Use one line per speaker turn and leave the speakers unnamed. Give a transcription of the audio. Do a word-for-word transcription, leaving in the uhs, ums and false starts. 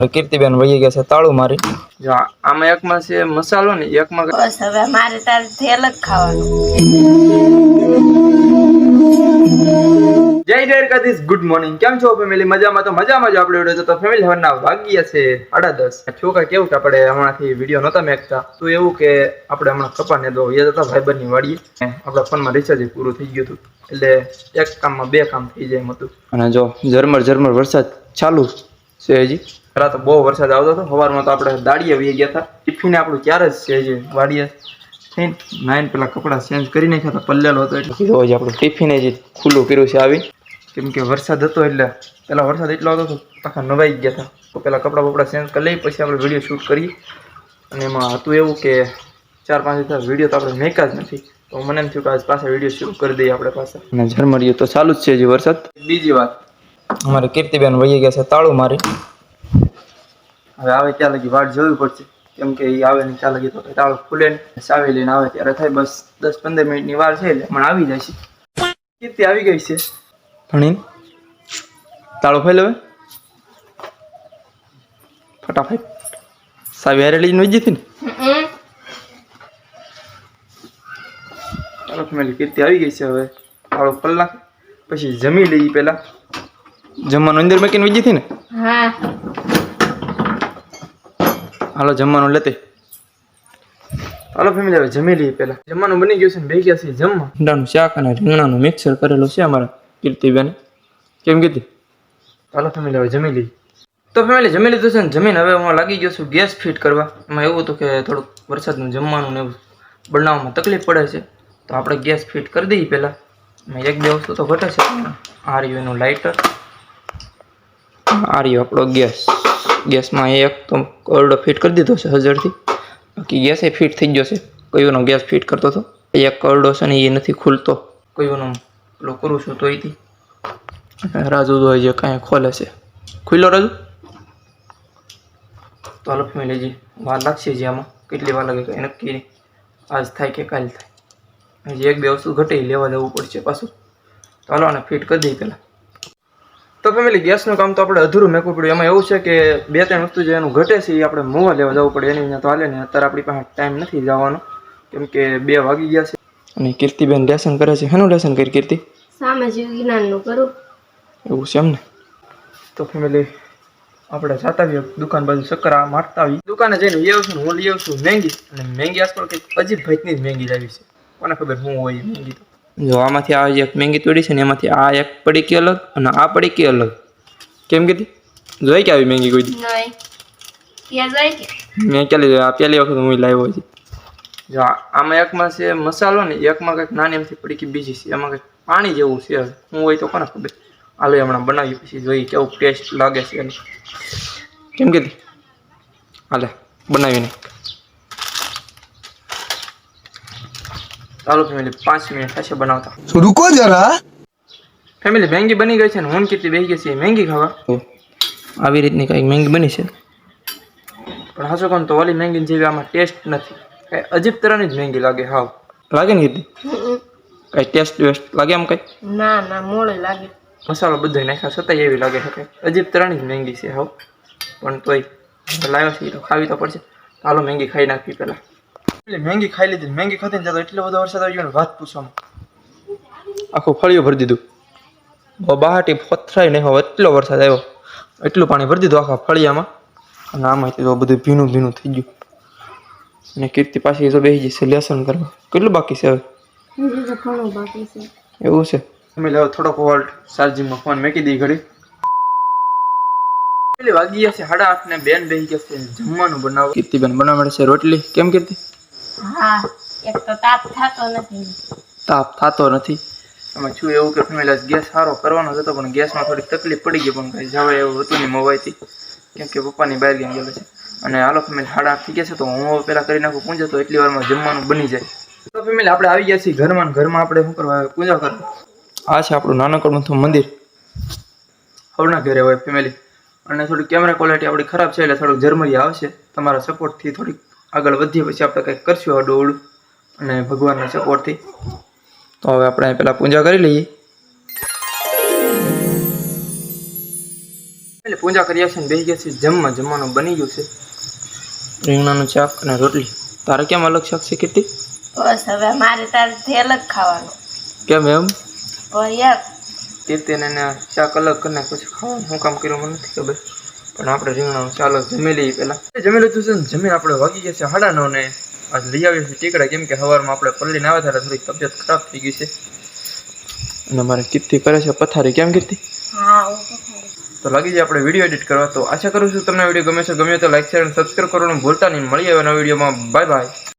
કીર્તિબેન વહી ગયા છે તાળું મારી. જો આમાં એકમાં છે મસાલો ને એકમાં
બસ હવે મારે તારથી અલગ ખાવાનું.
જય દ્વારકાધીશ, ગુડ મોર્નિંગ. કેમ છો ફેમિલી? મજામાં? તો મજામાં જ આપણે વિડીયો તો ફેમિલી હવારના વાગ્યા છે સાડા દસ. છોકરા કેવું કે આપણે હમણાંથી વિડીયો નહોતા મેકતા તો એવું કે આપણે હમણાં કપાને દો એ હતા ભાઈબંધની વાડીએ આપણા ફોનમાં રિચાર્જ પૂરું થઈ ગયું હતું એટલે એક કામમાં બે કામ થઈ જાય એમ હતું. અને જો ઝરમર ઝરમર વરસાદ ચાલુ છે હજી. રાત બહુ વરસાદ આવતો હતો. સવારમાં તો આપણે દાડીએ વહી ગયા હતા. ટિફિન આપણું ક્યારે જ છે હજી વાડીએ થઈને નાઈન પેલા કપડાં ચેન્જ કરી નાખ્યા હતા, પલ્લેલો હતો એટલે કીધું હજી આપણું ટિફિન હજી ખુલ્લું કર્યું છે આવી. કેમ કે વરસાદ હતો એટલે પેલા વરસાદ એટલો આવતો હતો આખા નવાઈ ગયા હતા. તો પેલા કપડાં બપડા ચેન્જ કરી લઈ પછી આપણે વિડીયો શૂટ કરીએ. અને એમાં હતું એવું કે ચાર પાંચ હજાર વિડીયો તો આપણે મેકા જ નથી. તો મને એમ થયું કે આજ પાછા વિડીયો શૂટ કરી દઈએ આપણે પાછા. અને ઝરમરીયો તો ચાલુ જ છે હજી વરસાદ. બીજી વાત, અમારે કીર્તિબેન વહી ગયા છે તાળું મારી. હવે આવે ત્યાં લગી વાટ જોવી પડશે કેમ કે એ આવે ને ત્યાં લગી તો તાળું ખુલે ને સાવી લઈને આવે ત્યારે થાય. બસ દસ પંદર મિનિટની વાર છે એટલે પણ આવી જાય છે. કીર્તિ આવી ગઈ છે ભણીને. તાળું ફેલ હવે ફટાફટ સાવી હારે લઈને વહી જતી ને. ચાલો ફેમિલી, કીર્તિ આવી ગઈ છે. હવે તાળું ખોલ નાખે પછી જમી લઈ. પેલા જમવાનું અંદર મૂકીને વહી જતી ને.
હા
હાલો જમવાનું લેતે. હાલો ફેમિલી, હવે જમી લઈએ. પેલા જમવાનું બની ગયું છે ને બે ગયા છે જમવા. ઈંડાનું શાક અને રીંગણાનું મિક્સર કરેલું છે અમારા કીર્તિબેન. કેમ કીધી? હાલો ફેમિલી, હવે જમી લઈએ. તો ફેમિલી જમી લીધું છે ને જમીન હવે હું લાગી ગયો છું ગેસ ફિટ કરવા. એમાં એવું હતું કે થોડુંક વરસાદનું જમવાનું ને એવું બનાવવામાં તકલીફ પડે છે તો આપણે ગેસ ફિટ કરી દઈએ. પહેલાં એમાં એક બે વસ્તુ તો ઘટે છે. આ રહ્યું એનું લાઇટર, આ રહ્યો આપણો ગેસ. ગેસમાં એક તો ઓરડો ફિટ કરી દીધો છે હજરથી. બાકી ગેસ એ ફિટ થઈ ગયો છે. કયોનો ગેસ ફિટ કરતો હતો એક ઓરડો છે ને એ નથી ખુલતો. કયોનો પેલો કરું છું તો એથી રાજુ તો હજી કાંઈ ખોલે છે. ખુલ્લો રાજુ? તો હાલો ફેમિલી, હજી વાર લાગશે. હજી આમાં કેટલી વાર લાગે કંઈ નક્કી નહીં. આજ થાય કે કાલ થાય. હજી એક બે વસ્તુ ઘટી લેવા જવું પડશે પાછું. તો હાલો આને ફિટ કરી દઈએ પહેલાં. તો ફેમિલી ગેસનું કામ તો આપણે અધૂરું મેકવું પડ્યું. એમાં એવું છે કે બે ત્રણ વસ્તુ જે એનું ઘટે છે એ આપણે મોવા લેવા જવું પડે. એની અહીંયા તો હાલે ને અત્યારે આપણી પાસે ટાઈમ નથી જવાનો કેમ કે બે વાગી ગયા છે. અને કીર્તિબેન લેસન કરે છે. શેનું લેસન કરી કીર્તિ?
સામાજિક વિજ્ઞાનનું કરું.
એવું છે એમ ને. તો ફેમિલી આપણે જાતા આવીએ દુકાન બાજુ ચક્કરા મારતા આવીએ. દુકાને જઈને લઈ આવશું ને હું લઈ આવશું મેંગી. અને મેંગી આજકાલ કંઈક અજીબ ભાઈની જ મેંગી લાવી છે. કોને ખબર શું હોય મેંગી. તો જો આમાંથી આ એક મેંગી તોડી છે ને એમાંથી આ એક પડીકી અલગ અને આ પડીકી અલગ. કેમ કીધી? જોઈ કે આવી મેંગી કોઈ દી?
નહીં ક્યાં જાય કે
મેં ક્યાં લીધું? આ પહેલી વખત હું લાવ્યો છે. જો આમાં એકમાં છે મસાલો ને એકમાં કંઈક નાની એમથી પડીકી બીજી છે. એમાં કંઈક પાણી જેવું છે. શું હોય તો કોને ખબર. હાલો હમણાં બનાવી પછી જોઈએ કેવું ટેસ્ટ લાગે છે એનું. કેમ કીધી? હાલે બનાવીને. ચાલો ફેમિલી, પાંચ મિનિટ થશે બનાવતા.
રૂકો જરા.
ફેમિલી મેંગી બની ગઈ છે ને હું કેટલી બેસી ગઈ છે મેંગી ખાવા. આવી રીતની કંઈક મેંગી બની છે પણ હાસો કોણ તો ઓલી મેંગી જેવી આમાં ટેસ્ટ નથી. કંઈ અજીબ તરહની જ મેંગી લાગે. હાવ લાગે ને કીધી? કંઈ ટેસ્ટ વેસ્ટ લાગે આમ કંઈ?
ના ના મોડે લાગે.
મસાલો બધો નાખ્યા છતાં એવી લાગે છે કંઈ અજીબ તરહની જ મેંગી છે હાવ. પણ તોય લાવ્યો છે તો ખાવી તો પડશે. હાલો મેંગી ખાઈ નાખવી પહેલાં. એટલે મેંગી ખાઈ લીધી. મેંગી ખાતી ને તો એટલો બધો વરસાદ આવી ગયો ને વાત પૂછવામાં. આખું ફળિયું ભરી દીધું. બહાટી પથરાય નહીં હવે એટલો વરસાદ આવ્યો. એટલું પાણી ભરી દીધું આખા ફળિયામાં. અને આમાંથી તો બધું ભીનું ભીનું થઈ ગયું. અને કીર્તિ પાછી તો બેસી જશે લેસન કરવા. કેટલું બાકી છે હવે?
હજી તો ઘણું બાકી છે.
એવું છે. અમે હવે થોડોક વોલ્ટ ચાર્જિંગમાં ફોન મૂકી દઈ ઘડી. પેલી વાગી ગયા છે સાડા આઠ ને બેન બેસી ગયા છે જમવાનું બનાવો. કીર્તિબેન બનાવવા મળે છે રોટલી. કેમ કીર્તિ?
હા એક તો તાપ થતો નથી.
તાપ થતો નથી. એમાં છું એવું કે ફેમિલી ગેસ સારો કરવાનો હતો પણ ગેસમાં થોડીક તકલીફ પડી ગઈ. પણ કાંઈ જવાય એવું હતું નહીં મોબાઈલથી કેમ કે પપ્પાની બહાર ગયા ગયેલો છે. અને હાલો ફેમિલી સાડા આઠ થઈ ગયા છે તો હું પહેલાં કરી નાખું પૂજા. તો એટલી વારમાં જમવાનું બની જાય. તો ફેમિલી આપણે આવી ગયા છીએ ઘરમાં. ઘરમાં આપણે શું કરવા પૂજા કરવા. આ છે આપણું નાનકડું મંદિર. હવના ઘરે હોય ફેમિલી. અને થોડી કેમેરા ક્વોલિટી આપણી ખરાબ છે એટલે થોડુંક ઝરમરી આવશે. તમારા સપોર્ટથી થોડીક આગળ વધીએ પછી આપણે કંઈક કરશું આડું અવળું અને ભગવાનના સપોર્ટથી. તો હવે આપણે પહેલાં પૂજા કરી લઈએ. એટલે પૂજા કર્યા છે ને બેસી ગયા છે જમવા. જમવાનું બની ગયું છે, રીંગણાનું શાક અને રોટલી. તારે કેમ અલગ શાક છે કીર્તિ?
બસ હવે મારે તારથી અલગ ખાવાનું.
કેમ એમ?
પણ યાર
કીર્તિને એને શાક અલગ કરીને પછી ખાવાનું શું કામ કર્યું મને નથી ખબર, પણ આપણે રીંગણાનું ચાલો જમી લઈએ પહેલાં. જમી લીધું છે ને જમીન આપણે વાગી ગયા છે સાડા નવ ને આજ લઈ આવીએ છીએ ટીકડા, કેમ કે સવારમાં આપણે પલ્લીને આવ્યા ત્યારે થોડીક તબિયત ખરાબ થઈ ગઈ છે અને મારે કીર્તિ કરે છે પથારી. કેમ કીર્તિ?
હા હું તો ખાઈ.
તો લાગી જાય આપણે વિડીયો એડિટ કરવા. તો આશા કરું છું તમને વિડીયો ગમે છે. ગમે તો લાઈક શેર અને સબસ્ક્રાઈબ કરવાનું ભૂલતા નહીં. મળીએ હવે નવા વિડીયોમાં. Bye by.